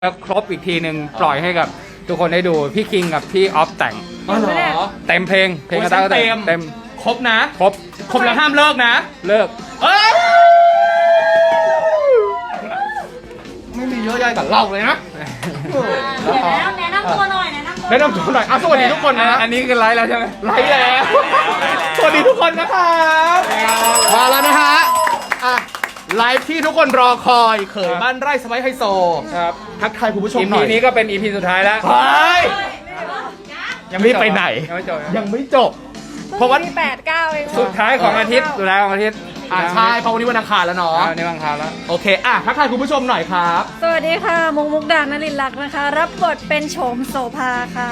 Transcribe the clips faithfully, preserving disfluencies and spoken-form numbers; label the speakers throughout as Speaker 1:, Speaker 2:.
Speaker 1: แล้วครบอีกทีหนึ่งปล่อยให้กับทุกคนได้ดูพี่คิงกับพี่ออฟแต่ง
Speaker 2: อ๋อเหรอ
Speaker 1: เต็มเพลงเพลง
Speaker 2: โอ้ย
Speaker 1: กระต้าก็
Speaker 2: เต็
Speaker 1: เต็
Speaker 2: ม
Speaker 1: มเต็ม
Speaker 2: ครบนะ
Speaker 1: ครบ
Speaker 2: ครบแล้วห้ามเลิกนะ
Speaker 1: เลิก
Speaker 2: เอ้ยไม่มีเยอะแยะกับเราเลยนะ
Speaker 3: เดี๋ยวแนะนำแนะนำตัวหน่อยแนะนำตัว
Speaker 2: แนะนำตัวหน่อยอ่ะสวัสดีทุกคนนะ
Speaker 1: อันนี้คือไลฟ์แล้วใช่ไหม
Speaker 2: ไลฟ์แล้วสวัสดีทุกคนนะครับมาแล้วนะฮะอ่ะไลฟ์ที่ทุกคนรอคอยเขยบ้านไร่สไปซ์ไฮโซ
Speaker 1: ครับ
Speaker 2: ทักทายคุณผู้ชม
Speaker 1: อี
Speaker 2: หน่
Speaker 1: พี
Speaker 2: อย
Speaker 1: นี้ก็เป็นอีพีสุดท้ายแล้ว
Speaker 2: เฮ้ย
Speaker 1: ยังไม่จบ
Speaker 2: รีบไปไหน
Speaker 1: ยังไม่จบ
Speaker 2: ยังไม่จบ เพราะว่า
Speaker 3: แปดเก้าเอง
Speaker 1: สุดท้ายของอาทิตย์สุดท้ายของอาทิตย์
Speaker 2: อ่าใช่เพราะวันนี้วันอังคารแล้วเนาะ
Speaker 1: อ่านี่บางคราวแล้ว
Speaker 2: โอเคอ่ะทักทายคุณผู้ชมหน่อยครับ
Speaker 3: สวัสดีค่ะมุกมุกดานลินลักษณ์นะคะ รับบทเป็นโฉมโสภาค่ะ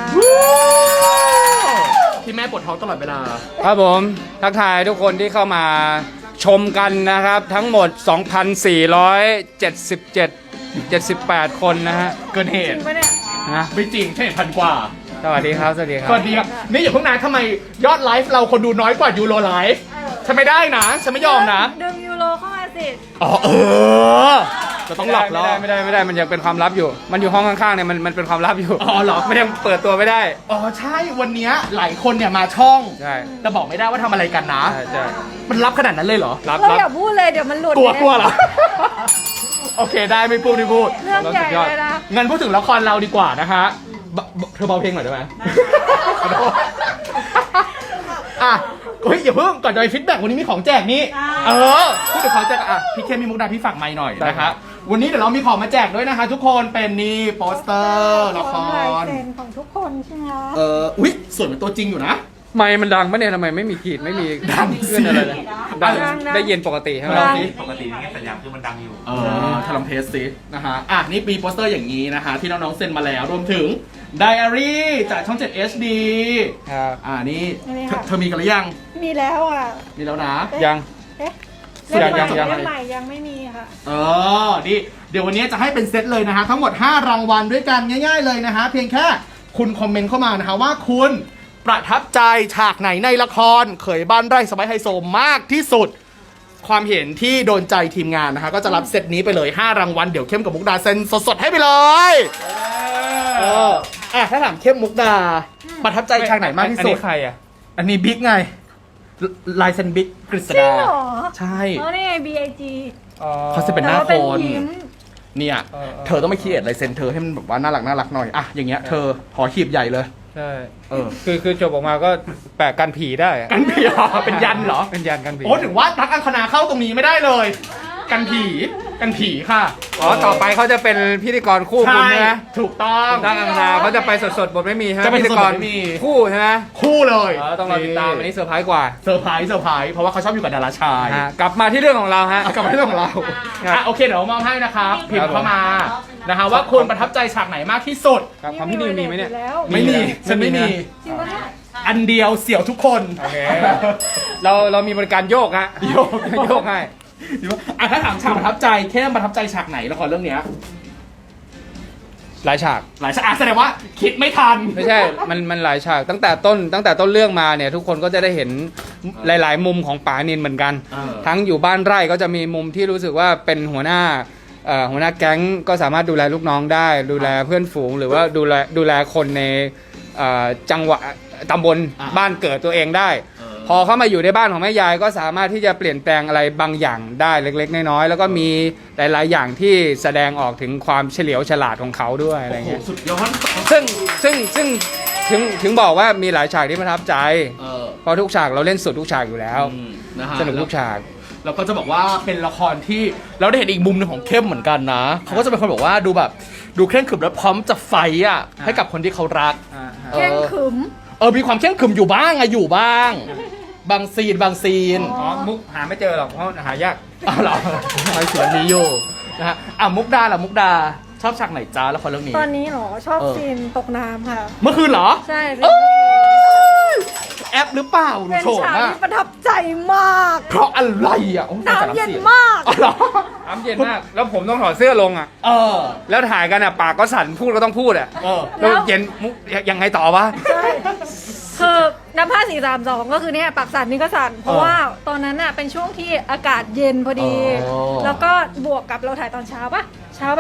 Speaker 2: ที่แม่ปวดท้องตลอดเวลา
Speaker 1: ครับผมทักทายทุกคนที่เข้ามาชมกันนะครับ ทั้งหมด สองพันสี่ร้อยเจ็ดสิบเจ็ด เจ็ดสิบแปด คนนะฮะ
Speaker 2: เกินเห
Speaker 3: จริ
Speaker 2: ตุ
Speaker 3: งปะเนี่ย
Speaker 1: นะ
Speaker 2: ไม่จริงแค่พันกว่า
Speaker 1: สวัสดีครับสวัสดีครับ
Speaker 2: สวัสดีครับนี่อย่าเพิ่งนานทำไมยอดไลฟ์เราคนดูน้อยกว่ายูโรไลฟ์ฉันไม่ได้นะฉันไม่ยอมนะ
Speaker 3: ดึงยูโรเข้ามาสิ
Speaker 2: อ๋อเออเราต้องหลอกล่อ
Speaker 1: ไม่ได้ไม่ได้ไม่ได้มันยังเป็นความลับอยู่ มันอยู่ห้องข้างๆเนี่ยมันมันเป็นความลับอยู่
Speaker 2: อ๋อเหรอ
Speaker 1: มันยังเปิดตัวไม่ได้
Speaker 2: อ๋อใช่วันเนี้ยหลายคนเนี่ยมาช่อง
Speaker 1: ใช่
Speaker 2: แต่บอกไม่ได้ว่าทำอะไรกันนะ
Speaker 1: ใช่ใช่
Speaker 2: มันรับขนาดนั้นเลยเหรอ
Speaker 1: รับ
Speaker 3: เรา
Speaker 1: รับ
Speaker 3: อย่าพูดเลยเดี๋ยวมันหลุด
Speaker 2: กลัวกลัวเหรอ
Speaker 3: นี่ย
Speaker 2: โอเคได้ไม่พูดไม่พูด
Speaker 3: เรื่องใหญ่เลยนะ
Speaker 2: งั้นพูดถึงละครเราดีกว่านะคะบเบเธอเบาเพลงหน่อยได้ไหม ขอโทษอ่ะเฮ้ยอย่าเพิ่งก่อนจะไปฟีดแบ็กวันนี้มีของแจกนี่เออพูดถึงของแจกอ่ะพี่เคมีมุกดาพี่ฝากไมค์หน่อยนะคะวันนี้เดี๋ยวเรามีของมาแจกด้วยนะคะ ทุกคนเป็นนี่โปสเตอร์ละค
Speaker 3: ของลาย
Speaker 2: ร
Speaker 3: เซ็นของทุกคนใช่ไหมคะ
Speaker 2: เอออุ๊ยสวยเหมือนตัวจริงอยู่นะ
Speaker 1: ไมค์มันดังปะเนี่ยทำไมไม่มีขีดไม่มี
Speaker 2: ดังสิ
Speaker 1: ขึ้นอะไรเลยดังได้ยินปกติใช่ไหม
Speaker 2: ดังสิ
Speaker 4: ปกตินี่สัญญาณคือมันดังอยู่
Speaker 2: เออทำลองเทสซินะฮะอ่ะนี่มีโปสเตอร์อย่างนี้นะคะที่น้องๆเซ็นมาแล้วรวมถึงไดอารี่จากช่อง เจ็ด เอช ดี
Speaker 1: ครับ
Speaker 2: อ่านี่
Speaker 3: นี่
Speaker 2: เธอ
Speaker 3: ค่ะ
Speaker 2: เธอมีกันหรือยัง
Speaker 3: มีแล้วอ่ะ
Speaker 2: มีแล้วนะ
Speaker 1: ยัง
Speaker 3: เอ๊ะ
Speaker 1: ยั
Speaker 3: เล่
Speaker 1: ง
Speaker 3: มใหม่
Speaker 1: ยัง
Speaker 3: เล่มใหม่ยังไม่มีค่ะ
Speaker 2: เออดิเดี๋ยววันนี้จะให้เป็นเซตเลยนะฮะทั้งหมดห้ารางวัลด้วยกันง่ายๆเลยนะฮะเพียงแค่คุณคอมเมนต์เข้ามานะฮะว่าคุณประทับใจฉากไหนในละครเขยบ้านไร่สบายไฮโซมากที่สุด ความเห็นที่โดนใจทีมงานนะฮะก็จะรับเซตนี้ไปเลยห้ารางวัลเดี๋ยวเข้มกับมุกดาเซ็นสดๆให้ไปเลยเอออ่ะถ้าถามเข้มมุกดาประทับใจฉากไหนมากที่
Speaker 1: อัน
Speaker 2: สุด
Speaker 1: นี้ใครอ่ะ
Speaker 2: อันนี้บิ๊กไงลายเซ็นบิ๊กกฤษ
Speaker 3: จริง
Speaker 2: ดา
Speaker 3: เหรอ
Speaker 2: ใช่
Speaker 3: อ๋อนี่ไง บี ไอ จี
Speaker 1: อ๋อ
Speaker 2: เขาจะเป็นหน้า
Speaker 3: แต่
Speaker 2: ค
Speaker 3: ว่
Speaker 2: น
Speaker 3: ยิ้ม
Speaker 2: เนี่ย
Speaker 1: เออเออ
Speaker 2: เธอต้องไปคิดลายเซ็นเธอให้มันแบบว่าน่ารักน่ารักหน่อยอ่ะอย่างเงี้ยเธอหอขีบใหญ่เลย
Speaker 1: ใช่
Speaker 2: เออ
Speaker 1: คือคือจบออกมาก็แปะกันผีได้อะ
Speaker 2: กันผีเหรอเป็นยันเหรอ
Speaker 1: เป็นยันกันผี
Speaker 2: โอ้ถึงว่าทักอังคณาเข้าตรงนี้ไม่ได้เลย กันผีกันผีค่ะ
Speaker 1: อ๋อต่อไปเขาจะเป็นพิธีกรคู่คุณ
Speaker 2: ใช่
Speaker 1: ใช่ไหม
Speaker 2: ถูกต้อง
Speaker 1: ดังอังคารเขาจะไปสดๆบทไม่มีใช่ไหม
Speaker 2: จะไป
Speaker 1: พิธี
Speaker 2: สด
Speaker 1: ก
Speaker 2: ๆ
Speaker 1: ร
Speaker 2: ไม่มี
Speaker 1: คู่ใช่ไหม
Speaker 2: คู่เลย
Speaker 1: เออต้องรอติดตามอันนี้เซอร์ไพรส์กว่า
Speaker 2: เซอร์ไพรส์เซอร์ไพรส์เพราะว่าเขาชอบอยู่กับดาราชาย
Speaker 1: ฮะกลับมาที่เรื่องของเราฮะ
Speaker 2: เอากลับมาที่เรื่องของเรา
Speaker 1: ครับ
Speaker 2: อ่ะโอเคเดี๋ยวมอบให้นะครับพิม
Speaker 1: ครับ
Speaker 2: พ์เข้ามานะคะว่าคุณประทับใจฉากไหนมากที่สุด
Speaker 1: ครับความพี่นิวมีไหมเนี่ย
Speaker 3: แล้ว
Speaker 2: ไม่มีฉันไม่มี
Speaker 3: จริงปะเนี่ย
Speaker 2: อันเดียวเสี่ยวทุกคน
Speaker 1: โอเค เราเรามีบริการโยกฮะ
Speaker 2: โยก
Speaker 1: โยกให้
Speaker 2: อ่ะถ้าถามฉากประทับใจเข้มประทับใจฉากไหนละครเรื่องเนี้ย
Speaker 1: หลายฉาก
Speaker 2: หลายฉากอ่ะแสดงว่าคิดไม่ทัน
Speaker 1: ไม่ใช่ มันมันหลายฉากตั้งแต่ต้นตั้งแต่ต้นเรื่องมาเนี่ยทุกคนก็จะได้เห็นหลาย ๆ มุมของป๋านินเหมือนกัน
Speaker 2: เออ
Speaker 1: ทั้งอยู่บ้านไร่ก็จะมีมุมที่รู้สึกว่าเป็นหัวหน้าเอ่อหัวหน้าแก๊งก็สามารถดูแลลูกน้องได้ ดูแลเพื่อนฝูง หรือว่าดูแลดูแลคนในเอ่อจังหวะตำบลบ้านเกิดตัวเองได้ พอเข้ามาอยู่ในบ้านของแม่ยายก็สามารถที่จะเปลี่ยนแปลงอะไรบางอย่างได้เล็ก ๆ น้อย ๆ แล้วก็มีหลาย ๆ อย่างที่แสดงออกถึงความเฉลียวฉลาดของเขาด้วยอะไร
Speaker 2: โอ้โห
Speaker 1: เงี้ย
Speaker 2: สุดยอด
Speaker 1: ซึ่งซึ่งซึ่งถึงถึงบอกว่ามีหลายฉากที่ประทับใจ
Speaker 2: เออ
Speaker 1: เพราะทุกฉากเราเล่นสุดทุกฉากอยู่แล้ว
Speaker 2: อืมนะฮะ
Speaker 1: สนุกทุกฉาก
Speaker 2: แล้วก็จะบอกว่าเป็นละครที่เราได้เห็นอีกมุมหนึงของเข้มเหมือนกันนะเขาก็จะเป็นคนบอกว่าดูแบบดูเคร่งขรึมและพร้อมจะไฟต์อ่ะให้กับคนที่เขารัก เออ
Speaker 3: เข่งขึม
Speaker 2: เออมีความเคร่งขรึมอยู่บ้างอะอยู่บ้าง บางซีนบางซีน
Speaker 1: อ๋อ มุกหาไม่เจอหรอกเพราะหายาก
Speaker 2: อ้าวเหรอไอ้ส่วนนี้อยู่นะฮะอ่ะมุกดาล่ะมุกดาชอบฉากไหนจ้าละครเรื่องนี้
Speaker 3: ตอนนี้เหรอ ชอบ
Speaker 2: เออ
Speaker 3: ซีนตกน้ำค่ะ
Speaker 2: เมื่อคืนเหรอ
Speaker 3: ใช่
Speaker 2: เอ้ยแอปหรือเปล่าหนู
Speaker 3: เป็น
Speaker 2: โฉม
Speaker 3: ฉาก
Speaker 2: อะ
Speaker 3: ที่ประทับใจมาก
Speaker 2: เพราะอะไรอ่ะโอ้ย
Speaker 3: น้ำเย็นมาก
Speaker 2: อ๋อเหรอ
Speaker 1: น้ำเย็นมาก แล้วผมต้องถอดเสื้อลงอ่ะ
Speaker 2: เออ
Speaker 1: แล้วถ่ายกันอ่ะ ปากก็สั่น พูดก็ต้องพูดอ่ะ
Speaker 2: เออ
Speaker 1: แล้วเย็นมุกยังไงต่อวะ
Speaker 3: ใช่คือน้ำผ้าสี่สามสองก็คือเนี่ยปากสั่นนี่ก็สั่น เพราะว่าตอนนั้นน่ะเป็นช่วงที่อากาศเย็นพอดี
Speaker 2: อ๋อ
Speaker 3: แล้วก็บวกกับเราถ่ายตอนเช้าปะเช้าแบบ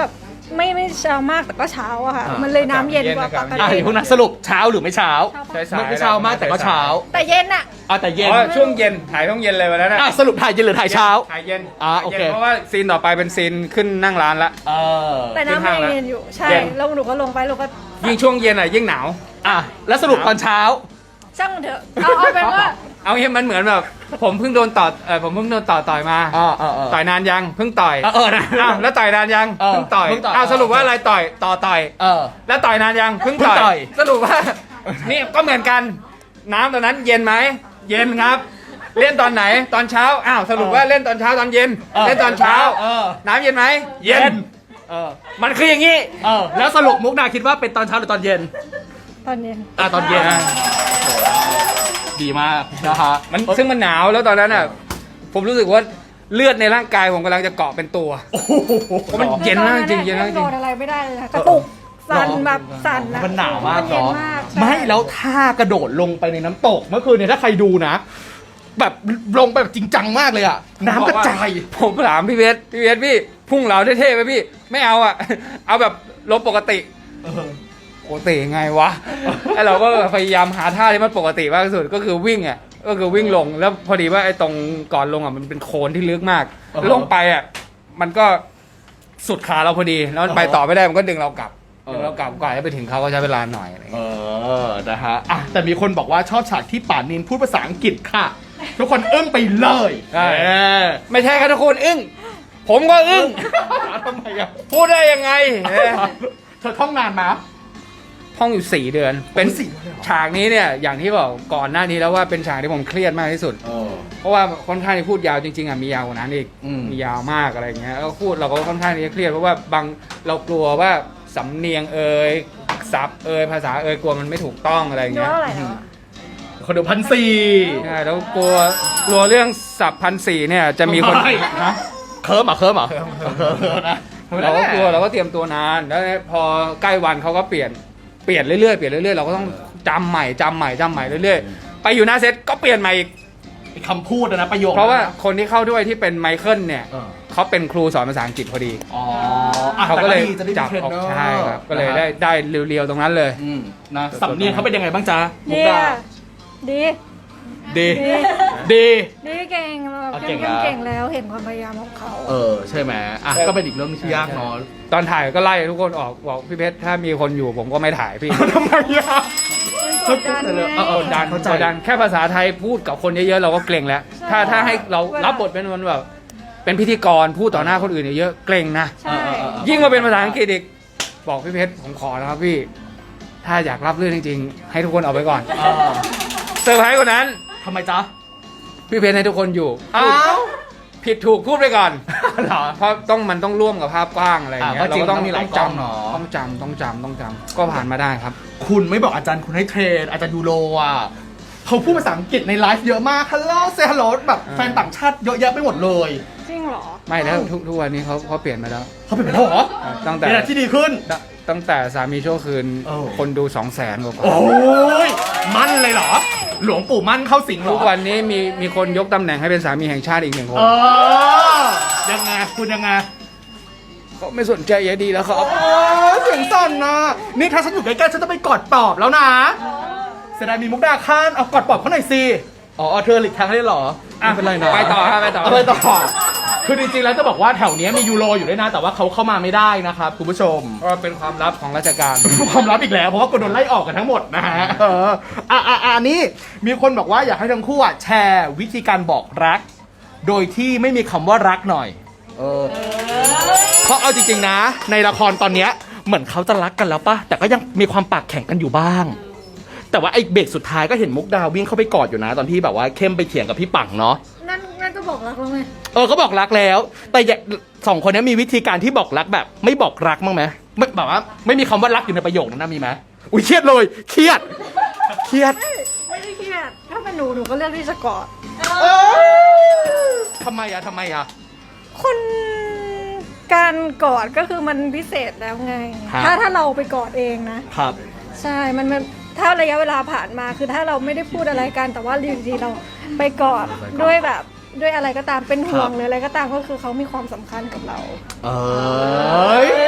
Speaker 3: ไม่ไม่เช้ามากแต่ก็เช้าอะค่ะ
Speaker 2: อ่ามั
Speaker 3: มันเลยน้ำเย็นกว่าปก
Speaker 2: อ่ะ
Speaker 3: ติ
Speaker 2: เดี๋ยวพวกนั้นสรุปเช้าหรือไม่เช้า
Speaker 1: ใช่สาย
Speaker 2: ไม่เช้ามากแต่ก็เช้า
Speaker 3: แต่เย็นอะ
Speaker 2: อ่ะแต่เย็น
Speaker 1: อ๋อช่วงเย็นถ่ายช่วงเย็นเลยวันนั้น
Speaker 2: อ่ะ
Speaker 1: อะ
Speaker 2: สรุปถ่ายเย็นหรือถ่ายเช้า
Speaker 1: ถ่ายเย็น
Speaker 2: อ่า
Speaker 1: ถ่ยย็น
Speaker 2: โอเค
Speaker 1: เพราะว่าซีนต่อไปเป็นซีนขึ้นนั่งร้านละ
Speaker 2: เออ
Speaker 3: แต่น้ำมันยังเย็นอยู่ใช่
Speaker 1: เย็น
Speaker 3: แล้วหนูก็ลงไปหนูก็
Speaker 1: ยิ่งช่วงเย็นอ่ะยิ่งหนาว
Speaker 2: อ่ะแล้วสรุปตอนเช้า
Speaker 3: ช่างมันเถอะเอาเอาเป็นว่า
Speaker 1: เอาเงี้ยมันเหมือนแบบผมเพิ่งโดนต่อเออผมเพิ่งโดนต่อต่อยมา
Speaker 2: อ่าอ่าอ่า
Speaker 1: ต่อยนานยังเพิ่งต่อย
Speaker 2: เออเออนะ
Speaker 1: อ้าวแล้วต่อยนานยัง
Speaker 2: เออ
Speaker 1: เพิ่งต่อย
Speaker 2: เพิ่งต่อย
Speaker 1: อ้าวสรุปว่าอะไรต่อยต่อต่อย
Speaker 2: เออ
Speaker 1: แล้วต่อยนานยังเพิ่ง
Speaker 2: เพิ่งต่
Speaker 1: ต่
Speaker 2: อ
Speaker 1: อย ยสรุปว่า นี่ก็เหมือนกันน้ำตอนนั้นเย็นไหมเย็นครับ เล่นตอนไหนตอนเช้าอ้าวสรุปว่าเล่นตอนเช้าตอนเย็น
Speaker 2: ออ
Speaker 1: เล่นตอนเช้า
Speaker 2: เออ
Speaker 1: น้ำเย็นไหม
Speaker 2: เย็น เออ
Speaker 1: มันคืออย่างนี้
Speaker 2: เออ แล้วสรุปมุกดาคิดว่าเป็นตอนเช้าหรือตอนเย็น
Speaker 3: ตอนเย็น
Speaker 2: อ่ะตอนเย็น
Speaker 1: อ่า
Speaker 2: ดีมากนะฮะ
Speaker 1: มันซึ่งมันหนาวแล้วตอนนั้นอ่ะผมรู้สึกว่าเลือดในร่างกายผมกำลังจะเกาะเป็นตัว
Speaker 2: โอ้โห
Speaker 1: เพราะมันเย็นมากจริงเย็นมากจริง
Speaker 3: โดนอะไรไม่ได้เลยค่ะกระตุกสั่นแบบสั่นอะ
Speaker 2: มันหนาวมาก
Speaker 3: เย็น
Speaker 2: เนาะ
Speaker 3: มากใช่
Speaker 2: ไม่แล้วท่ากระโดดลงไปในน้ำตกเมื่อคืนเนี่ยถ้าใครดูนะ แบบลงไปแบบจริงจังมากเลยอะน้ำกระจาย
Speaker 1: ผมถามพี่เวสพี่เวสพี่พุ่งเหลาเท่ๆไปพี่ไม่เอาอ่ะ เอาแบบลบปกติ
Speaker 2: เออ
Speaker 1: ปกติยังไงวะ ไอเราก็พยายามหาท่าที่มันปกติมากที่สุดก็คือวิ่งอ่ะก็คือวิ่งลงแล้วพอดีว่าไอ้ตรงก่อนลงอ่ะมันเป็นโคลนที่ลึกมาก
Speaker 2: อ่าฮะ
Speaker 1: ลงไปอ่ะมันก็สุดขาเราพอดีแล้วมันไปต่อไม่ได้มันก็ดึงเรากลับ
Speaker 2: เออ
Speaker 1: ดึงเรากลับกว่าจะไปถึงเขาก็ใช้เวลาหน่อยอะไรอย่าง
Speaker 2: เอ
Speaker 1: เงี้ย
Speaker 2: อ นะฮะอ่ะแต่มีคนบอกว่าชอบฉากที่ป่านินพูดภาษาอังกฤษค่ะ ทุกคนอึ้งไปเลย
Speaker 1: ใช่
Speaker 2: เออ
Speaker 1: ไม่ใช่ครับทุกคนอึ้งผมก็อึ้ง
Speaker 2: ทำไมอะ
Speaker 1: พูดได้ยังไงเออ
Speaker 2: เธอท่องงานมา
Speaker 1: ท่องอยู่สี่เดือน เป็น
Speaker 2: โอ้ยสี่เดือนเลยเหรอ
Speaker 1: ฉากนี้เนี่ยอย่างที่บอกก่อนหน้านี้แล้วว่าเป็นฉากที่ผมเครียดมากที่สุด
Speaker 2: เออ
Speaker 1: เพราะว่าค่อนข้างที่พูดยาวจริงๆอ่ะมียาวกว่านั้นอีก
Speaker 2: อืม
Speaker 1: มียาวมากอะไรอย่างเงี้ยแล้วพูดเราก็ค่อนข้างที่จะเครียดเพราะว่าบางเรากลัวว่าสำเนียงเอ่ยศัพท์เอ่ยภาษาเอ่ยกลัวมันไม่ถูกต้องอะไรอย่าง
Speaker 3: ดู
Speaker 1: เงี้ย
Speaker 3: เท่าไหร่แล้วอะ
Speaker 2: คนดูพันสี่
Speaker 1: ใช่แล้วกลัวกลัวเรื่องศัพท์พันสี่เนี่ยจะมีคน
Speaker 2: ไม่
Speaker 1: ฮะ
Speaker 2: เคิร์มเหรอเคิร์มเหรอเคิร์มนะ
Speaker 1: เราก็กลัวเราก็เตรียมตัวนานแล้วพอใกล้วันเขาก็เปลี่ยนเปลี่ยนเรื่อยๆเปลี่ยนเรื่อยๆเราก็ต้องจำใหม่จำใหม่จำใหม่เรื่อยๆไปอยู่หน้าเซตก็เปลี่ยนใหม่อีก
Speaker 2: คำพูดนะประโยค
Speaker 1: เพราะว่า
Speaker 2: นั้นน
Speaker 1: คนที่เข้าด้วยที่เป็นไมเคิลเนี่ย
Speaker 2: เออ
Speaker 1: เขาเป็นครูสอนภาษาอังกฤษพอดี
Speaker 2: อ๋ออ่ะ
Speaker 1: เขาก็เลย
Speaker 2: แต่ดีจะได้
Speaker 1: จับ
Speaker 2: มีเทรน
Speaker 1: ออก
Speaker 2: เนอร์
Speaker 1: ใช่ครับก็เลย
Speaker 2: นะฮะ
Speaker 1: ได้ได้เรียวๆตรงนั้นเลย
Speaker 2: อืมนะสำเนียงเขาเป็นยังไงบ้างจ๊ะมุก
Speaker 3: ดี
Speaker 2: ดา
Speaker 3: อะดี
Speaker 2: ดี
Speaker 3: ดี
Speaker 2: ดี
Speaker 3: ดีเก่งเรา
Speaker 2: เอา
Speaker 3: เก่
Speaker 2: เก่
Speaker 3: ง
Speaker 2: งแล้ว
Speaker 3: เก่งแล้วเห็นความพยายามของเขา
Speaker 2: เออใช่ไหมอ่ะก็เป็นอีกเรื่องที่ยากเนาะ
Speaker 1: ตอนถ่ายก็ไล่ทุกคนออกบอกพี่เพชรถ้ามีคนอยู่ผมก็ไม่ถ่ายพี่
Speaker 2: ทำไมอ่ะ
Speaker 3: กดดันไง
Speaker 2: เออเออ
Speaker 1: กดดัน
Speaker 2: เข้าใจ
Speaker 1: กดดันแค่ภาษาไทยพูดกับคนเยอะๆเราก็เกรงแล้ว
Speaker 3: ใช่
Speaker 1: ถ้าถ้าให้เรา
Speaker 3: เวลา
Speaker 1: รับบทเป็นมันแบบเป็นพิธีกรพูดต่อหน้าคนอื่นเยอะๆเกรงนะ
Speaker 3: ใช่
Speaker 2: เออเออเออ
Speaker 1: ยิ่งมาเป็นภาษาอังกฤษอีกบอกพี่เพชรผมขอนะครับพี่ ถ้าอยากรับเรื่องจริงๆ ให้ทุกคนเอาไปก่อน
Speaker 2: เออ
Speaker 1: เซอร์ไพรส์กว่านั้น
Speaker 2: ทำไมจ๊ะ
Speaker 1: พี่เพชรให้ทุกคนอยู่
Speaker 2: อ้าว
Speaker 1: ผิดถูกพูดไปก่อน
Speaker 2: เหรอ
Speaker 1: เพราะต้องมันต้องร่วมกับภาพกว้างอะไรอย่างเงี้ย
Speaker 2: อ่ะก็
Speaker 1: เรา
Speaker 2: จริง
Speaker 1: ก็ต้อง
Speaker 2: มันมีหลาย
Speaker 1: จ
Speaker 2: กล้องเนอะ
Speaker 1: ำต้องจำต้องจำต้องจำก็ผ่านมาได้ครับ
Speaker 2: คุณไม่บอกอาจารย์คุณให้เทรนอาจารย์ยูโรอ่ะเขาพูดภาษาอังกฤษในไลฟ์เยอะมากฮัลโหลเซฮัลโหลแบบ
Speaker 1: อ่า
Speaker 2: แฟนต่างชาติเยอะแยะไปหมดเลย
Speaker 3: จริงเหรอ
Speaker 1: ไม่แล้วทุกทุกวันนี้เขาเขาเปลี่ยนมาแล้ว
Speaker 2: เขาเป็นไปแล้วเหรอ
Speaker 1: ตั้งแต่
Speaker 2: เป็นอะไรที่ดีขึ้น
Speaker 1: ตตั้งแต่สามีชั่วคืน
Speaker 2: เออ
Speaker 1: คนดูสองแสนกว่าคน
Speaker 2: โอ้ยมั่นเลยเหรอ หลวงปู่มั่นเข้าสิงเหร
Speaker 1: ทุ
Speaker 2: อ
Speaker 1: กวันนี้มีมีคนยกตำแหน่งให้เป็นสามีแห่งชาติอีกหนึ่งคน
Speaker 2: เออยังไงคุณยังไง
Speaker 1: เขาไม่สนใจยายดีแล้วครับ
Speaker 2: โอ้เสียงสั่นนะนี่ถ้าฉันอยู่ใกล้ๆฉันจะไปกอดปอบแล้วนะเสียดายมีมุกดาข้านเอากอดปอบเขาหน่อยสิอ๋อเธอหลีกทางได้เหรอไม่เป็นไรนะ
Speaker 1: ไปต่อครับไปต่อ
Speaker 2: เาไปต่อคือจริงๆแล้วจะบอกว่าแถวเนี้ยมียูโรอยู่ด้วยนะ แต่ว่าเขาเข้ามาไม่ได้นะครับคุณผู้ชม
Speaker 1: ก็เป็นความลับของราชการ
Speaker 2: ความลับอีกแล้วเพราะว่าก็โดนไล่ออกกันทั้งหมดนะฮะเอออ่ะอ่ะอ่ะอันนี้มีคนบอกว่าอยากให้ทั้งคู่อ่ะแชร์วิธีการบอกรัก โดยที่ไม่มีคำว่ารักหน่อย เออเพราะเอาจริงๆนะ ในละครตอนเนี้ยเหมือนเขาจะรักกันแล้วปะแต่ก็ยังมีความปากแข็งกันอยู่บ้าง แต่ว่าไอ้เบรกสุดท้ายก็เห็นมุกดาวิ่งเข้าไปกอดอยู่นะ ตอนที่แบบว่าเข้มไปเถียงกับพี่ปังเนาะ
Speaker 3: นั่นนั่นก็บอกรักแล้วไง
Speaker 2: เออก็บอกรักแล้ว แต่อย่าสองคนนี้มีวิธีการที่บอกรักแบบ ไม่บอกรักมั้างไหมไม่แบบว่าไม่มีคำว่ารักอยู่ในประโยคนั้นนะมีไหมอุ้ยเครียดเลยเครียดเครียด
Speaker 3: ไม่ได้เครียดถ้าเป็นหนูหนูก็เลือกที่จะกอด
Speaker 2: เอ้ยทำไมอะทำไมอะ
Speaker 3: คนการกอดก็คือมันพิเศษแล้วไง
Speaker 2: ครับ
Speaker 3: ถ้าถ้าเราไปกอดเองนะ
Speaker 2: ครับ
Speaker 3: ใช่ มันมันถ้าระยะเวลาผ่านมาคือถ้าเราไม่ได้พูดอะไรกัน แต่ว่าอยู่ดีๆเราไปกอดด้วยแบบด้วยอะไรก็ตามเป็นห่วงหรืออะไรก็ตามก็คือเขามีความสำคัญกับเรา
Speaker 2: เอ้ยต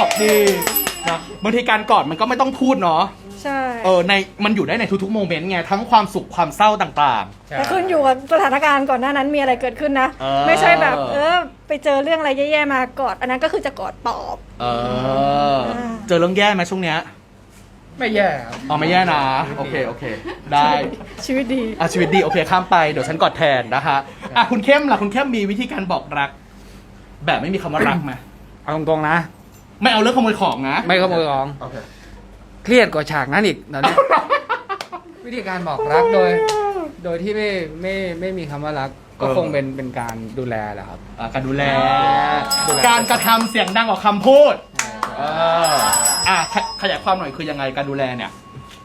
Speaker 2: อบดีนะบางทีการกอดมันก็ไม่ต้องพูดเนาะ
Speaker 3: ใช่
Speaker 2: เออในมันอยู่ได้ในทุกๆโมเมนต์ไงทั้งความสุขความเศร้าต่าง
Speaker 3: แต่ขึ้นอยู่กับสถานการณ์ก่อนหน้านั้นมีอะไรเกิดขึ้นนะ
Speaker 2: เออ
Speaker 3: ไม่ใช่แบบเออไปเจอเรื่องอะไรแย่ๆมากอดอันนั้นก็คือจะกอดปลอบ
Speaker 2: ๆเออเจอเรื่องแย่ไหมช่วงเนี้ย
Speaker 1: ไม่แย่ครับ
Speaker 2: อ๋อไม่แย่นะโอเคโอเค ได้
Speaker 3: ชีวิตดี
Speaker 2: อ่ะชีวิตดีโอเคข้ามไปเดี๋ยวฉันกอดแทนนะคะอ่ะคุณเข้มล่ะคุณเข้มมีวิธีการบอกรัก แบบไม่มีคำว่ารักไหม
Speaker 1: เอาตรงๆนะ
Speaker 2: ไม่เอาเรื่องขโมยของนะ
Speaker 1: ไม่ขโมยของ
Speaker 2: โอเค
Speaker 1: เครียดกว่าฉากนั้นอีกตอนนี้ วิธีการบอกรักโดย โดยที่ไม่ไม่ไม่มีคำว่ารัก ก็คงเป็นเป็นการดูแลแหละครับ
Speaker 2: อ่ะการดูแล
Speaker 1: ดูแล
Speaker 2: การกระทำเสียงดังกว่าคำพูดเอออ่ะขยขยายความหน่อยคือยังไงการดูแลเนี่ย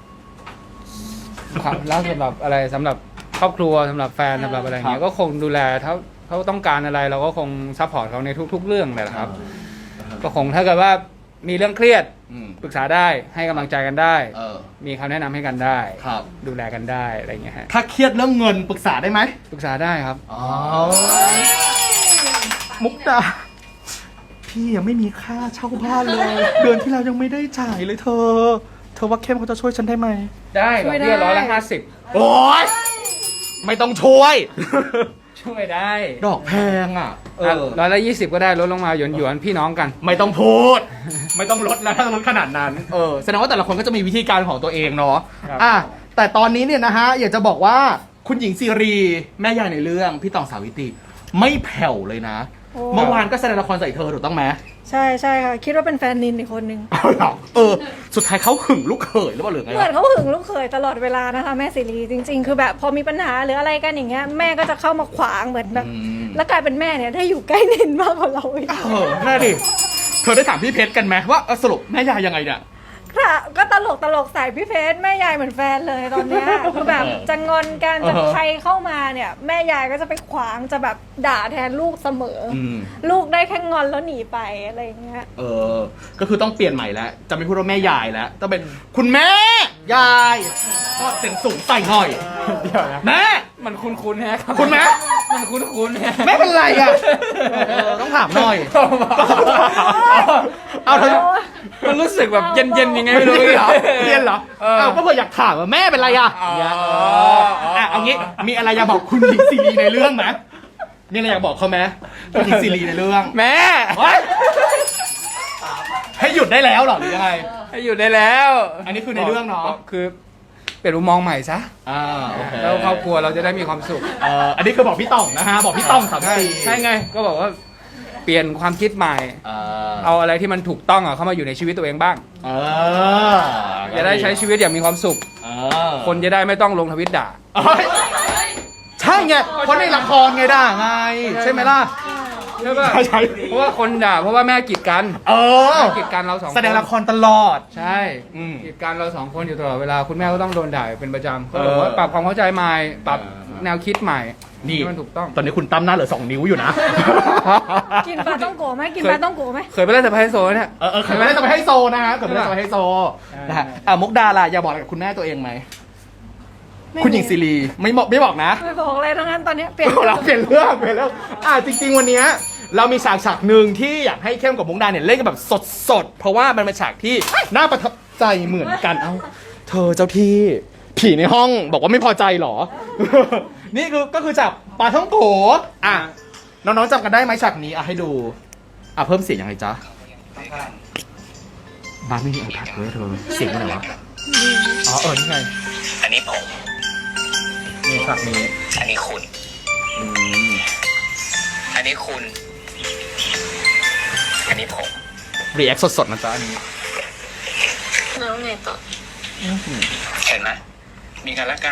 Speaker 1: ความรักสำหรับอะไรสำหรับครอบครัวสำหรับแฟนสำหรับอะไรเงี้
Speaker 2: ครั
Speaker 1: ย
Speaker 2: บ
Speaker 1: ก็คงดูแลเขาเขาต้องการอะไรเราก็คงซัพพอร์ตเขาในทุก ๆ เรื่องเลยแหละครับ ก็คงถ้าเกิดว่ามีเรื่องเครียด
Speaker 2: อืม
Speaker 1: ปรึกษาได้ให้กำลังใจกันได้
Speaker 2: เออ
Speaker 1: มีคำแนะนำให้กันได้
Speaker 2: ครับ
Speaker 1: ดูแลกันได้อะไรเงี้ยฮะ
Speaker 2: ถ้าเครียดเรื่องเงินปรึกษาได้ไหม
Speaker 1: ปรึกษาได้ครับ
Speaker 2: อ๋อมุกดาพี่ยังไม่มีค่าเช่าบ้านเลย เดือนที่แล้วยังไม่ได้จ่ายเลยเธอ เธอว่าเข้มเขาจะช่วยฉันได้ไหม
Speaker 1: ได้ดอกเบี้ยร้อยละห้าสิบ
Speaker 2: โอ๊ยไม่ต้องช่วย
Speaker 1: ช่วยได้
Speaker 2: ดอกแพงอ่ะ เออ
Speaker 1: ร้อยละยี่สิบก็ได้ลดลงมาหยวนหยวนๆพี่น้องกัน
Speaker 2: ไม่ต้องพูด ไม่ต้องลดแล้วถ้าลดขนาดนั้น เออ แสดงว่าแต่ละคนก็จะมีวิธีการของตัวเองเนาะ
Speaker 1: ครับ
Speaker 2: อ่ะ แต่ตอนนี้เนี่ยนะฮะ อยากจะบอกว่าคุณหญิงซีรี แม่ยายในเรื่องพี่ตองสาวิตรีไม่แผ่วเลยนะ
Speaker 3: โอ้
Speaker 2: เมื่อวานก็แสดงละครใส่เธอถูกต้องไหม
Speaker 3: ใช่ใช่ค่ะ คิดว่าเป็นแฟนนินอีกคนนึง
Speaker 2: เอาเหรอเออ สุดท้ายเขาหึงลูกเขยหรือเปล่าหรือไง
Speaker 3: เหมือน
Speaker 2: วะ
Speaker 3: เขาหึงลูกเขยตลอดเวลานะคะแม่สิรีจริง ๆ คือแบบพอมีปัญหาหรืออะไรกันอย่างเงี้ยแม่ก็จะเข้ามาขวางเหมือนแบบ
Speaker 2: อืม
Speaker 3: แล้วกลายเป็นแม่เนี่ยได้อยู่ใกล้นินมากกว่าเราอีก
Speaker 2: เออน่าดิ เธอได้ถามพี่เพชรกันไหมว่าเออสรุปแม่ยายยังไงเนี่ย
Speaker 3: ค่ะก็ตลกตลกใส่พี่เพชรแม่ยายเหมือนแฟนเลยตอนเนี้ยคือแบบจะงอนกันจะ
Speaker 2: เออ
Speaker 3: ใครเข้ามาเนี่ยแม่ยายก็จะไปขวางจะแบบด่าแทนลูกเสมออ
Speaker 2: อืม
Speaker 3: ลูกได้แค่งอนแล้วหนีไปอะไรอย่างเงี้ย
Speaker 2: เออ ก็คือต้องเปลี่ยนใหม่แล้ว จะไม่พูดว่าแม่ยายแล้ว ต้องเป็นคุณแม่ ยาย ก็เสียงสูงใส่หน่อย
Speaker 1: เดี๋ยวนะ
Speaker 2: แม่
Speaker 1: มันคุ้นๆแฮะรับ
Speaker 2: คุณแม่
Speaker 1: มันคุ้นๆแฮะ
Speaker 2: แม่เป็นไรอ่ะเออต้องถามหน่อย เอาเธอ
Speaker 1: มันรู้สึกแบบเย็นๆยังไงไม่รู้
Speaker 2: เรียนเหรอเรียนเหรอ
Speaker 1: เออ
Speaker 2: เอาก็เผื่ออยากถามว่าแม่เป็นไรอ่ะ
Speaker 1: อ๋อ
Speaker 2: เนี่ยเอ
Speaker 1: อ๋
Speaker 2: อ
Speaker 1: อ
Speaker 2: อ่ะเอางี้ มีอะไรอยากบอกคุณหญิงซีรีในเรื่องไหมมีอะไรอยากบอกเขาไหมคุณหญิงซีรีในเรื่อง
Speaker 1: แม่
Speaker 2: เฮ้ยให้หยุดได้แล้วเหรอหรือยังไง
Speaker 1: ให้อยู่ได้แล้ว
Speaker 2: อันนี้คือในเรื่องเนาะ
Speaker 1: คือเปลี่ยนมุมมองใหม่ซะ
Speaker 2: อ่าโอเค
Speaker 1: แล้วครอบครัวเราจะได้มีความสุข
Speaker 2: เอ่ออันนี้คือบอกพี่ต่องนะฮะ บอกพี่ต่องสามสี่
Speaker 1: ใช่ไง ก็บอกว่าเปลี่ยนความคิดใหม่
Speaker 2: เออ
Speaker 1: เอาอะไรที่มันถูกต้องอ่ะเข้ามาอยู่ในชีวิตตัวเองบ้าง
Speaker 2: เออ
Speaker 1: จะได้ใช้ชีวิตอย่างมีความสุข
Speaker 2: เออ
Speaker 1: คนจะได้ไม่ต้องลงทวิตด่า
Speaker 2: เอ้ยใช่ไงเพราะในละครไงด่าไง ใช่ไหมล่ะ
Speaker 1: ใช่ป่ะ
Speaker 2: ใช่ใช่
Speaker 1: เพราะว่าคนด่าเพราะว่าแม่กีดกัน
Speaker 2: เออ
Speaker 1: แม่กีดกันเราสองคน
Speaker 2: แสดงละครตลอด
Speaker 1: ใช่
Speaker 2: อืม
Speaker 1: กีดกันเราสองคนอยู่ตลอดเวลาคุณแม่ก็ต้องโดนด่าเป็นประจำ
Speaker 2: เอ
Speaker 1: ก็
Speaker 2: อ
Speaker 1: บอกว่าปรับความเข้าใจใหม่ปรับ
Speaker 2: เออ
Speaker 1: แนวคิดใหม่
Speaker 2: นี่
Speaker 1: ให้มันถูกต้อง
Speaker 2: ตอนนี้คุณตั้มหน้าเหลือสองนิ้วอยู่นะ
Speaker 3: กินปลาต้องโกะไหมกิน
Speaker 1: เคย
Speaker 3: ปลาต้องโกะไหม
Speaker 1: เคยไปเล่นสไปซ์โซนเนี่ย
Speaker 2: เออเออเคยไม่ได้จะไปให้โซนะฮะเคยไม่ได้จะไปให้โซนะฮะอ่ะมุกดาล่ะอย่าบอกอะไรกับคุณแม่ตัวเองไหม
Speaker 3: ไม่
Speaker 2: คุณหญิงซีรีไม่บอกไม่บอกนะ
Speaker 3: ไม่บอกเลยทั้งนั้นตอนเนี้ยเปลี่ยน
Speaker 2: เราเปลี่ยนเรื่องเปลี่ยนเรื่องอ่ะจริง ๆ วันเนี้ยเรามีฉากฉากหนึ่งที่อยากให้เข้มกับมุกดาเนี่ยเล่นกันแบบสดๆ เพราะว่ามันเป็นฉากที่น่าประทับใจเหมือนกัน เอ้า เธอเจ้าที่ผีในห้องบอกว่าไม่พอใจเหรอ นี่คือก็คือจากปลาท่องโกอ่ะน้องๆจำกันได้ไหมฉากนี้อ่ะให้ดู อ่ะเพิ่มเสียงยังไงจ๊ะบ้านไม่มีไอแพดเลยเธอเสียงมันไหนวะอ๋อเออนี่ไง
Speaker 4: อันนี้ผม
Speaker 2: นี่ฉากนี้
Speaker 4: อันนี้คุณ
Speaker 2: อืม
Speaker 4: อันนี้คุณ อันนี้ผม
Speaker 2: รีแอคสดๆนะจ๊ะอันนี้
Speaker 5: แล้วไงต่อ
Speaker 4: เห็นไหม มีกันและกัน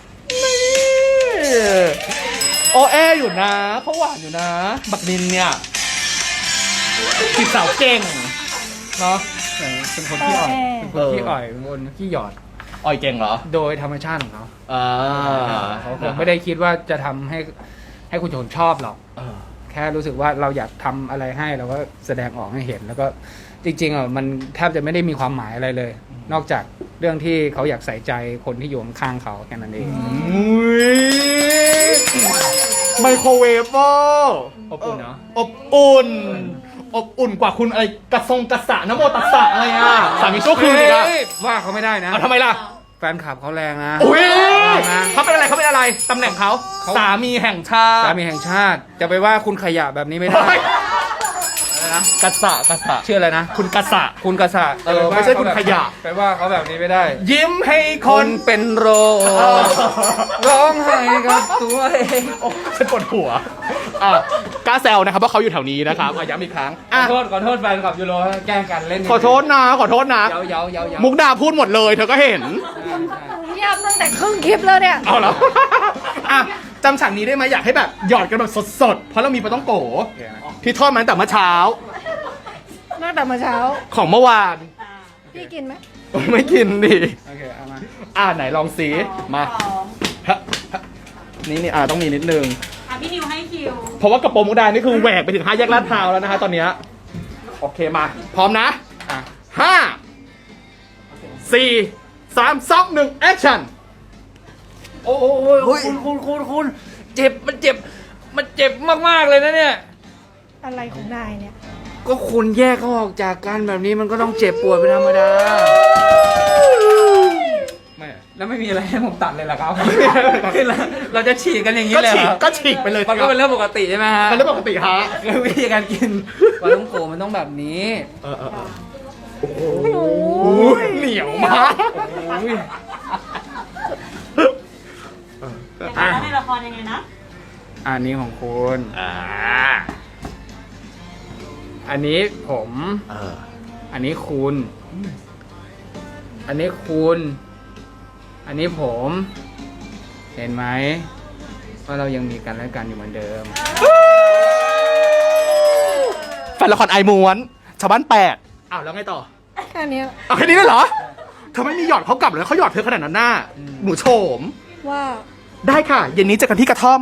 Speaker 2: โอแออยู่นะเขาหวานอยู่นะ บักนินเนี่ยจีบสาวเก่งเนาะ
Speaker 1: เป็นคนที่อ่อยเป็นคนที่อ่อยเป็นคนที่หยอด
Speaker 2: อ่อยเก่งเหรอ
Speaker 1: โดยธรรมชาติของเขา
Speaker 2: อ่า
Speaker 1: เขาคงไม่ได้คิดว่าจะทำให้ให้คุณชนชอบหรอก
Speaker 2: เออ
Speaker 1: แค่รู้สึกว่าเราอยากทำอะไรให้เราก็แสดงออกให้เห็น แล้วก็จริงๆอ่ะมันแทบจะไม่ได้มีความหมายอะไรเลย นอกจากเรื่องที่เขาอยากใส่ใจคนที่อยู่ข้างๆเขาแค่นั้นเอง
Speaker 2: อุ้ยไมโครเวฟเวอร์
Speaker 1: อบอุ่นเนอะ
Speaker 2: อบอุ่นอบอุ่นกว่าคุณอะไรกระทรงกระสะนะโมตัสสะอะไรอ่ะสามีชั่วคืนอีกอ่ะ
Speaker 1: เฮ้ยว่าเขาไม่ได้นะ
Speaker 2: เอาทำไมล่ะ
Speaker 1: แฟนคลับเขาแรงนะ
Speaker 2: อุ้ย
Speaker 1: นะ
Speaker 2: เขาเป็นอะไรเขาเป็นอะไรตำแหน่งเขา
Speaker 1: เขา
Speaker 2: สามีแห่งชาติ
Speaker 1: สามีแห่งชาติจะไปว่าคุณขยะแบบนี้ไม่ได้
Speaker 2: เฮ้ย
Speaker 1: อะไรนะ
Speaker 2: กระสะกระสะ
Speaker 1: ชื่ออะไรนะ
Speaker 2: คุณกระสะ
Speaker 1: คุณกษัตริย์
Speaker 2: เออไม่ใช่คุณขยะ
Speaker 1: ไปว่าเขาแบบนี้ไม่ได้
Speaker 2: ยิ้มให้ค
Speaker 1: คน นเป็นโรค
Speaker 2: เออ
Speaker 1: ร้องไห้กับตัวเอง
Speaker 2: โอ้ฉันปวดหัวอ่ะกล้าแซวนะครับว่าเขาอยู่แถวนี้นะครับอ่ะย้ำอีกครั้ง
Speaker 1: ขอ
Speaker 2: อ่ะ
Speaker 1: โทษขอโทษแฟนคลับยูโรแกล้งกันเล่น
Speaker 2: ขอโทษนะขอโทษนะ
Speaker 1: เย้าเย้าเย้าเย้า
Speaker 2: มุกดาพูดหมดเลยเธอก็เห็น
Speaker 3: เงียบตั้งแต่ครึ่งคลิปแล้วเนี่ย
Speaker 2: เอาแล้ว อ่ะจำฉากนี้ได้ไหมอยากให้แบบหยอดกันแบบสดๆ เพราะเรามีปลาต้องโกที่ทอดมาตั้งแต่เมื่อเช้า
Speaker 3: ตั้งแต่เมื่อเช้า
Speaker 2: ของเมื่อวาน
Speaker 3: พี่กินไหม
Speaker 2: ไม่กินดิ
Speaker 1: โอเคเอามา
Speaker 2: อ่ะไหนลองสีมาฮะฮะนี่นี่อ่ะต้องมีนิดนึง
Speaker 5: อ่ะพี่นิวให้คิว
Speaker 2: เพราะว่ากระโปรงมุกดานี่คือแหวกไปถึงห้าแยกลาดพร้าวแล้วนะฮะตอนเนี้ยโอเคมา พร้อมนะ
Speaker 1: อ่ะ
Speaker 2: ห้าสี่สามสองหนึ่งแอคชั่น
Speaker 1: โอ้โหคุณคุณคุณคุณเจ็บมันเจ็บ มันเจ็บมากๆเลยนะเนี่ย
Speaker 3: อะไรของนายเนี่ย
Speaker 1: ก็คุณแยกเขาออกจากกันแบบนี้มันก็ต้องเจ็บปวดเป็นธรรมดาไม่แล้วไม่มีอะไรให้ผมตัดเลยเหรอครับ เราจะฉีกกันอย่างนี้
Speaker 2: ก็
Speaker 1: เลย
Speaker 2: ฉี
Speaker 1: เห
Speaker 2: ก
Speaker 1: รอ
Speaker 2: ก็ฉีกไปเลย
Speaker 1: มันก็เป็นเรื่องปกติใช่ไหมฮะ
Speaker 2: เป็นเรื่องปกติฮะ
Speaker 1: คือวิธีการกินปลาท่องโกมันต้องแบบนี้
Speaker 2: เออเออเออโอ้โหเหนียวมาก
Speaker 1: อุ้ย
Speaker 5: แต่แล้วในละครยังไงนะ
Speaker 1: อันนี้ของคุณ
Speaker 2: อ่า
Speaker 1: อันนี้ผม
Speaker 2: เออ
Speaker 1: อันนี้คุณ อันนี้คุณ อันนี้ผม เห็นไหมว่าเรายังมีกันและกันอยู่เหมือนเดิม
Speaker 2: แฟนละครไอม้วนชาวบ้านแปดอ้าวแล้วไงต่อ
Speaker 3: แค่เนี้ย
Speaker 2: เอาแค่นี้เลยเหรอเธอไม่มีหยอดเขากลับเลยเขาหยอดเธอขนาดนั้นหน้า
Speaker 1: อืม
Speaker 2: หนูโฉม
Speaker 3: ว่า
Speaker 2: ได้ค่ะ เย็นนี้เจอกันที่กระท่อม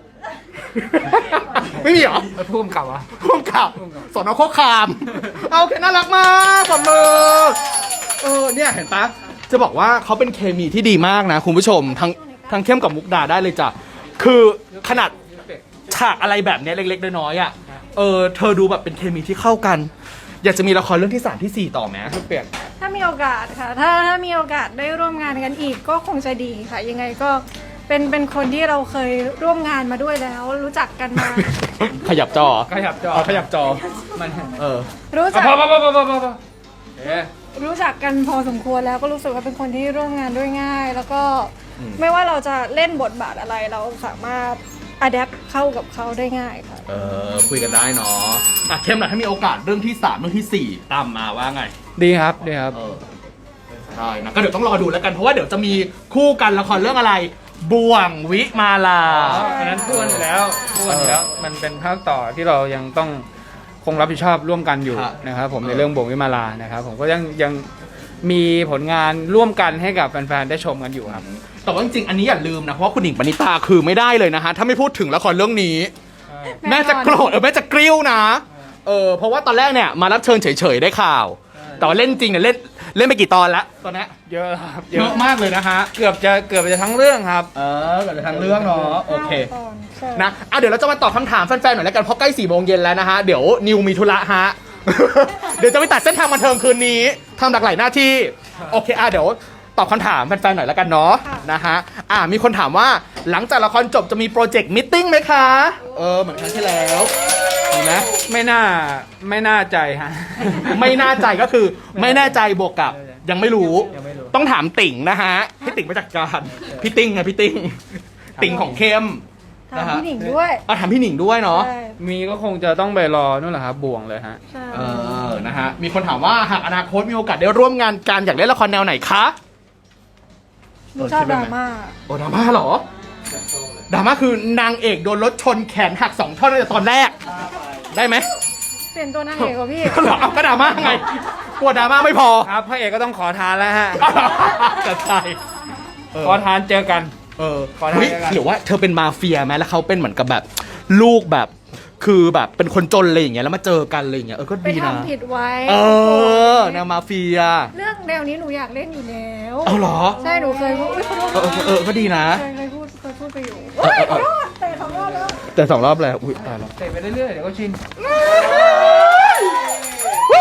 Speaker 2: ไม่มีเหรอ
Speaker 1: ไปพุ่มกลับวะ
Speaker 2: พ่วงกับสอนอโคคาม เอาโอเคน่ารักมากปรบมือเออเนี่ยเห็นปะจะบอกว่าเขาเป็นเคมีที่ดีมากนะคุณผู้ชม ทั้งทั้งเข้มกับมุกดาได้เลยจ้ะคือขนาดฉากอะไรแบบเนี้ยเล็กๆน้อยๆอ่ะเออเธอดูแบบเป็นเคมีที่เข้ากัน อยากจะมีละครเรื่องที่สามที่สี่ต่อไหม
Speaker 1: เปลี่ยน
Speaker 3: ถ้ามีโอกาสค่ะ ถ้าถ้ามีโอกาสได้ร่วมงานกันอีกก็คงจะดีค่ะ ยังไงก็เป็นเป็นคนที่เราเคยร่วมงานมาด้วยแล้ว รู้จักกันมา
Speaker 2: ขยับจอ
Speaker 1: ขยับจอ
Speaker 2: เอาขยับจอ
Speaker 1: มัน
Speaker 2: เออ
Speaker 3: รู้จัก
Speaker 1: พอพอพอพอพอพอพอเอ๊ะ
Speaker 3: รู้จักกันพอสมควรแล้วก็รู้สึกว่าเป็นคนที่ร่วมงานด้วยง่าย แล้วก็
Speaker 2: อืม
Speaker 3: ไม่ว่าเราจะเล่นบทบาทอะไรเราสามารถอัดแอปเข้ากับเขาได้ง่ายค่ะ
Speaker 2: เออคุยกันได้เนาะอ่ะเข้มหน่อยถ้ามีโอกาสเรื่องที่สามเรื่องที่สี่ตามมาว่าไง
Speaker 1: ดีครับดีครับ
Speaker 2: เออใช่นะก็เดี๋ยวต้องรอดูแล้วกันเพราะว่าเดี๋ยวจะมีคู่กันละครเรื่องอะไร บ่วงวิมาลา
Speaker 1: อ๋ออันนั้นพูดอยู่แล้วพูดอยู่แล้ว มันเป็นภาคต่อที่เรายังต้องคงรับผิดชอบร่วมกันอยู่
Speaker 2: ครับ
Speaker 1: นะครับผม
Speaker 2: เออ
Speaker 1: ในเรื่องบ่งวิมาลานะครับผมก็ยังยังมีผลงานร่วมกันให้กับแฟนๆได้ชมกันอยู่ครับ
Speaker 2: แต่ว่าจริงๆอันนี้อย่าลืมนะเพราะว่าคุณหญิงปณิตาคือไม่ได้เลยนะฮะถ้าไม่พูดถึงละครเรื่องนี้ แม่จะโกรธเออแม่จะกริ้วนะเออเพราะว่าตอนแรกเนี่ยมารับเชิญเฉยๆได้ข่าว แต่ว่าเล่นจริงเนี่ยเล่นเล่นไปกี่ตอนแล้วตอนนี้
Speaker 1: เยอะครับ
Speaker 2: เยอะมากเลยนะฮะ
Speaker 1: เกือบจะเกือบจะทั้งเรื่องครับ
Speaker 2: เออเกิดทางเรื่องเนาะโอเค
Speaker 3: ตอนใช่
Speaker 2: นะอ่ะเดี๋ยวเราจะมาตอบคำถามแฟนๆหน่อยแล้วกันเพราะใกล้สี่โมงเย็นแล้วนะฮะ เดี๋ยวนิวมีธุระฮะ เดี๋ยวจะไปตัดเส้นทางบันเทิงคืนนี้ทำหลากหลายหน้าที่ โอเคอ่ะเดี๋ยวตอบคำถามแฟนๆหน่อยแล้วกันเนาะนะฮะอ่ะมีคนถามว่าหลังจากละครจบจะมีโปรเจกต์มิทติ้งไหมคะ เออเหมือนครั้งที่แล้วมีไหม
Speaker 1: ไม่น่าไม่น่าใจฮะ
Speaker 2: ไม่น่าใจก็คือไม่แน่ใจบวกกับยังไม่รู้
Speaker 1: ยังไม่รู้
Speaker 2: ต้องถามติ่งนะฮะให้ติ่งมาจัดการพี่ติ่งไงพี่ติ่งติ่งของเข้ม
Speaker 3: ถามพี่หนิงด้วย
Speaker 2: เอาถามพี่หนิงด้วยเนาะ
Speaker 3: ใช่
Speaker 1: มีก็คงจะต้องไปรอนู่นแหละครับบ่วงเลยฮะ
Speaker 3: ใช่
Speaker 2: เออ นะฮะ มีคนถามว่าหากอนาคตมีโอกาสได้ร่วมงานกันอยากเล่นละครแนวไหนคะ
Speaker 3: หนูชอบดราม่า
Speaker 2: โอ้ดราม่าเหรอ ดราม่าคือนางเอกโดนรถชนแขนหักสองท่อนตั้งแต่ตอนแรก ได้ไหม
Speaker 3: เปลี่ยนตัวนางเอกกว่าพี่
Speaker 2: เหรอเอาก็ดราม่าไง กลัวดราม่าไม่พอ
Speaker 1: ครับพระเอกก็ต้องขอทานแล้วฮะ
Speaker 2: จะใช่เออ
Speaker 1: ขอทานเจอกัน
Speaker 2: เออ
Speaker 1: ขอได้
Speaker 2: เฮ้ย
Speaker 1: แล้วกัน
Speaker 2: หรือว่าเธอเป็นมาเฟียไหมแล้วเขาเป็นเหมือนกับแบบ ลูกแบบ คือแบบเป็นคนจนอะไรอย่างเงี้ยแล้วมาเจอกันอะไรอย่างเงี้ยเออก็
Speaker 3: ไป
Speaker 2: ดีนะ
Speaker 3: ทำผิดไว้
Speaker 2: เออแนวมาเฟีย
Speaker 3: เรื่องแนวนี้หนูอยากเล่นอยู่แล้ว
Speaker 2: เอาเหรอ
Speaker 3: ใช่หนูเคยพูดอุ๊ยขอโทษ
Speaker 2: เออเออเออก็ดีนะ
Speaker 3: เคยเคยพูดเคยพูดไปอยู่เฮ้ยขอโทษแต่สองรอบแล้ว
Speaker 2: แต่สองรอบแล้วอุ้ยตายแล้ว
Speaker 1: เตะไปเรื่อยๆเดี๋ยวก็ชิน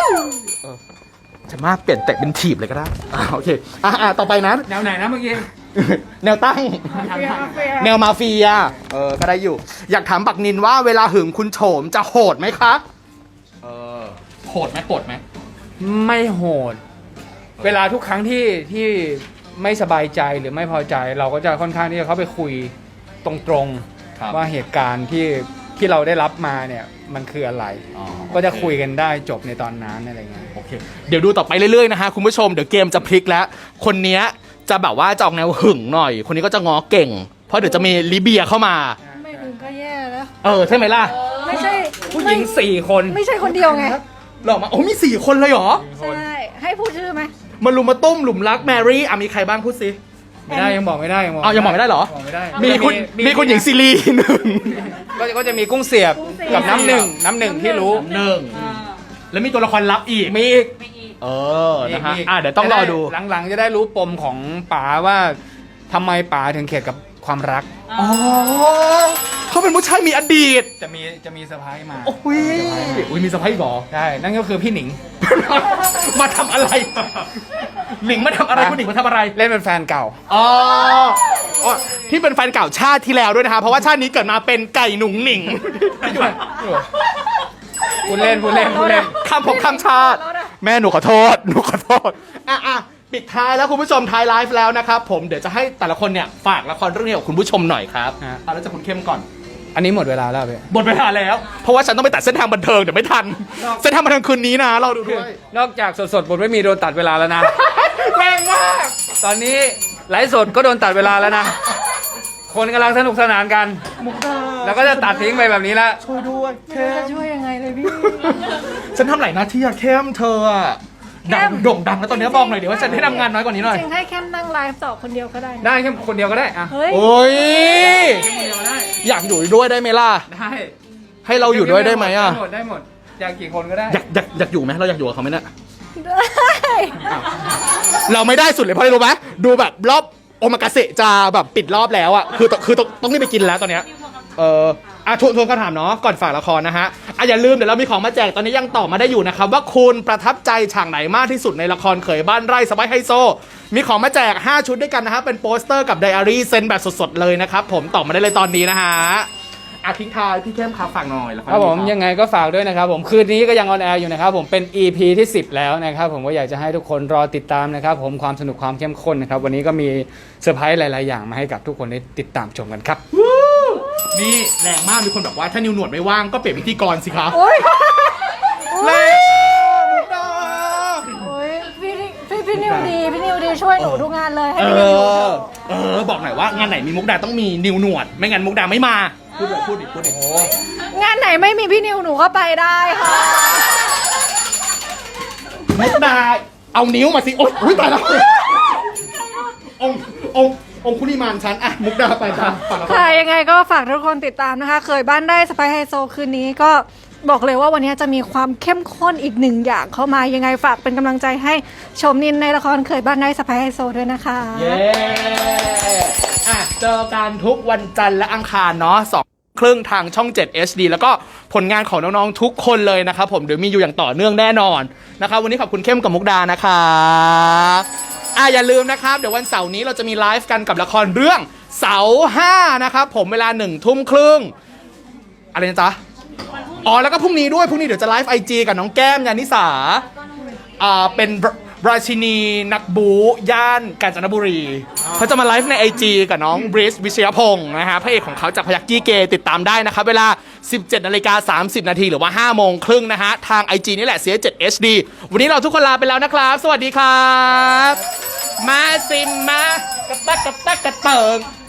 Speaker 2: เออจะมากเปลี่ยนเตะเป็นถีบเลยก็ได้อ่าโอเคอ่ะอ่ะต่อไปนะ
Speaker 1: แนวไหนนะเมื่อกี้
Speaker 2: แนวตั้ง แนวมาเฟีย เออ ก็ได้อยู่ อยากถามบักนินว่าเวลาหึงคุณโฉมจะโหดไหมคะ เออ โหดไหมโหดไหม
Speaker 1: ไม่โหด เวลาทุกครั้งที่ที่ไม่สบายใจหรือไม่พอใจ เราก็จะค่อนข้างที่จะเข้าไปคุยตรงๆว่าเหตุการณ์ที่ที่เราได้รับมาเนี่ยมันคืออะไร
Speaker 2: อ๋อ
Speaker 1: ก็จะคุยกันได้จบในตอนนั้นอะไรเงี้ย
Speaker 2: โอเค เดี๋ยวดูต่อไปเรื่อยๆนะฮะคุณผู้ชม เดี๋ยวเกมจะพลิกแล้ว คนเนี้ยจะแบบว่าจะออกแนวหึงหน่อย คนนี้ก็จะง้อเก่ง เพราะเดี๋ยวจะมีลิเบียเข้ามา
Speaker 3: ไม่ถึงก็แย่แล้ว
Speaker 2: เออ ใช่ไหมล่ะ
Speaker 3: ไม่ใช่
Speaker 1: ผู้หญิงสี่คน
Speaker 3: ไม่ใช่คนเดียวไง
Speaker 2: หรอมาโอ้มีสี่คนเลยเหรอ
Speaker 3: ใช่ ให้พูดชื่อไหม
Speaker 2: มาลุมมาตุ้มหลุมรักแมรี่อ่ะมีใครบ้างพูดสิ
Speaker 1: ไม่ได้ยังบอกไม่ได้ยังบอก
Speaker 2: อ้าวยังบอกไม่ได้เหรอ
Speaker 1: บอกไม่ได้
Speaker 2: มีคุณมีคุณหญิงซีรีหนึ่ง
Speaker 1: ก็ก็จะมีกุ้งเสียบกับน้ำหนึ่งน้ำหนึ่งที่รู้
Speaker 2: หนึ่ง
Speaker 5: อ่า
Speaker 2: แล้วมีตัวละครลับอีก
Speaker 1: มีอีก
Speaker 5: ไม่อีก
Speaker 2: เออ นะฮะ
Speaker 1: มีก
Speaker 2: อ่ะเดี๋ยวต้องรอดู
Speaker 1: จะไหลังๆจะได้รู้ปมของป๋าว่าทำไมป๋าถึงเข็ดกับความรัก
Speaker 2: อ๋อเขาเป็นผู้ชายมีอดีต
Speaker 1: จะมีจะมีเซอร์ไพรส์มา
Speaker 2: โอ้ยอุ้ยมีสะพ้ายหรอ
Speaker 1: ใช่นั่นก็คือพี่หนิง
Speaker 2: มาทำอะไร หนิงมาทำอะไรคุณหนิงมาทำอะไร
Speaker 1: เล่นเป็นแฟนเก่า
Speaker 2: อ๋ออ๋อที่เป็นแฟนเก่าชาติที่แล้วด้วยนะคะ เพราะว่าชาตินี้เกิดมาเป็นไก่หนุ่งหนิง
Speaker 1: พูดเล่นพูดเล่นพูดเล่น
Speaker 2: คำผมคำชาติ แม่หนูขอโทษ หนูขอโทษ อ่ะอ่ะปิดท้ายแล้วคุณผู้ชมท้ายไลฟ์แล้วนะครับผมเดี๋ยวจะให้แต่ละคนเนี่ยฝากละครเรื่องนี้กับคุณผู้ชมหน่อยครับ
Speaker 1: ฮะ
Speaker 2: เอาแล้วจะคุณเข้มก่อน
Speaker 1: อันนี้หมดเวลาแล้วพี่
Speaker 2: หมดเวลาแล้ว เพราะว่าฉันต้องไปตัดเส้นทางบันเทิงเดี๋ยวไม่ทัน เส้นทางบันเทิงคืนนี้นะเราดูด้วย
Speaker 1: นอกจากสดๆบทไม่มีโดนตัดเวลาแล้วนะ
Speaker 2: แรงมาก
Speaker 1: ตอนนี้ไลฟ์สดก็โดนตัดเวลาแล้วนะ คนกำลังสนุกสนานกัน
Speaker 2: มุกดา
Speaker 1: แล้วก็จะตัดทิ้งไปแบบนี้แล้ว
Speaker 2: ช่วยด้วย
Speaker 3: ไม่รู้จะช่วยยังไงเลยพี่
Speaker 2: ฉันทำหลายหน้าที่อะเข้มเธออะดังโด่งดังแล้วตอนนี้บอกหน่อยเดี๋ยวว่าฉันให้ทำงานน้อยกว่านี้หน่อย
Speaker 3: จริงๆให้แค่นั่งไลฟ์ต่อคนเดียวก็ได้นะ
Speaker 1: ได้แค่คนเดียวก็ได้อะ
Speaker 3: เฮ้ย
Speaker 2: โอ้ย
Speaker 1: คนเดียวได้
Speaker 2: อยากอยู่ด้วยได้ไหมล่ะ
Speaker 1: ได้
Speaker 2: ให้เราอยู่ด้วยได้ไหมอะ
Speaker 1: ได้หมดได้หมดอยากกี่คนก็ได้
Speaker 2: อยากอยากอยากอยู่ไหมเราอยากอยู่กับเขาไหมเนี่ย
Speaker 3: ได้
Speaker 2: เราไม่ได้สุดเลยเพราะอะไรรู้ไหมดูแบบรอบโอมากาเสะจะแบบปิดรอบแล้วอะคือต้องคือต้องต้องรีบไปกินแล้วตอนเนี้ย เอออ่ะทวนทวนคำถามเนาะก่อนฝากละครนะฮะอ่ะอย่าลืมเดี๋ยวเรามีของมาแจกตอนนี้ยังตอบมาได้อยู่นะครับว่าคุณประทับใจฉากไหนมากที่สุดในละครเขยบ้านไร่สบายไฮโซ มีของมาแจกห้าชุดด้วยกันนะฮะเป็นโปสเตอร์กับไดอารี่เซ็นแบบสดๆเลยนะครับผมตอบมาได้เลยตอนนี้นะฮะอ่ะทิ้งท้ายพี่เข้มครับฝากหน่อยละคร
Speaker 1: ครับผม
Speaker 2: นี้
Speaker 1: ยังไงก็ฝากด้วยนะครับผมคืนนี้ก็ยังออนแอร์อยู่นะครับผมเป็น อี พี ที่สิบแล้วนะครับผมก็อยากจะให้ทุกคนรอติดตามนะครับผมความสนุกความเข้มข้นนะครับวันนี้ก็มีเซอร์ไพรส์หลายๆอย่างมาให้กับทุกคนได้ติดตามชมกันครับ
Speaker 2: นี่แรงมากมีคนบอกว่าถ้านิวหนวดไม่ว่างก็เปลี่ยนพิธีกรสิครับ
Speaker 3: โอ้ย
Speaker 2: แรงมุกดา
Speaker 3: โอ้ยพี่พี่พี่นิวดีพี่นิวดีช่วยหนูทุกงานเลยให้
Speaker 2: เอ
Speaker 3: พี่นิวอยู่เถ
Speaker 2: อ
Speaker 3: อะ
Speaker 2: เออบอกหน่อยว่างานไหนมีมุกดาต้องมีนิวหนวด ไม่งั้นมุกดาไม่มาพูดเลยพูดดิพูดดิ
Speaker 3: งานไหนไม่มีพี่นิวหนูก็ไปได้ค่ะ
Speaker 2: มุกดาเอานิ้วมาสิโอ๊ยอุ๊ยตายแล้วองค์องค์องคุลิมานฉันอะมุกดาไปจ้ะฝากละคร
Speaker 3: ค่ะยังไงก็ฝากทุกคนติดตามนะคะ เคยบ้านได้สไปไฮโซคืนนี้ก็บอกเลยว่าวันนี้จะมีความเข้มข้นอีกหนึ่งอย่างเข้ามายังไงฝากเป็นกำลังใจให้ชมนินในละครเคยบ้านได้สไปไฮโซด้วยนะคะ
Speaker 2: เย้อ่ะเจอกันทุกวันจันทร์และอังคารเนาะสองครึ่งทางช่องเจ็ด เอช ดี แล้วก็ผลงานของน้องๆทุกคนเลยนะครับผมเดี๋ยวมีอยู่อย่างต่อเนื่องแน่นอนนะครับวันนี้ขอบคุณเข้มกับมุกดานะครับอ่ะอย่าลืมนะครับเดี๋ยววันเสาร์นี้เราจะมีไลฟ์กันกับละครเรื่องเสาห้านะครับผมเวลาหนึ่งทุ่มครึ่งอะไรนะจ๊ะอ๋อแล้วก็พรุ่งนี้ด้วยพรุ่งนี้เดี๋ยวจะไลฟ์ไอจีกับน้องแก้มยานิสาอ่าเป็นราชินีนักบูย่านกาญจนบุรีเขาจะมาไลฟ์ใน ไอ จี กับน้องบริสวิชยพงศ์นะฮะพระเอกของเขาจากพยัคฆ์กี้เกย์ติดตามได้นะครับเวลา สิบเจ็ดนาฬิกาสามสิบนาทีหรือว่าห้าโมงครึ่งนะฮะทาง ไอ จี นี่แหละ ซี เอช เจ็ด เอช ดี วันนี้เราทุกคนลาไปแล้วนะครับ สวัสดีครับ มาซิมมากระตักกระตักกระเติง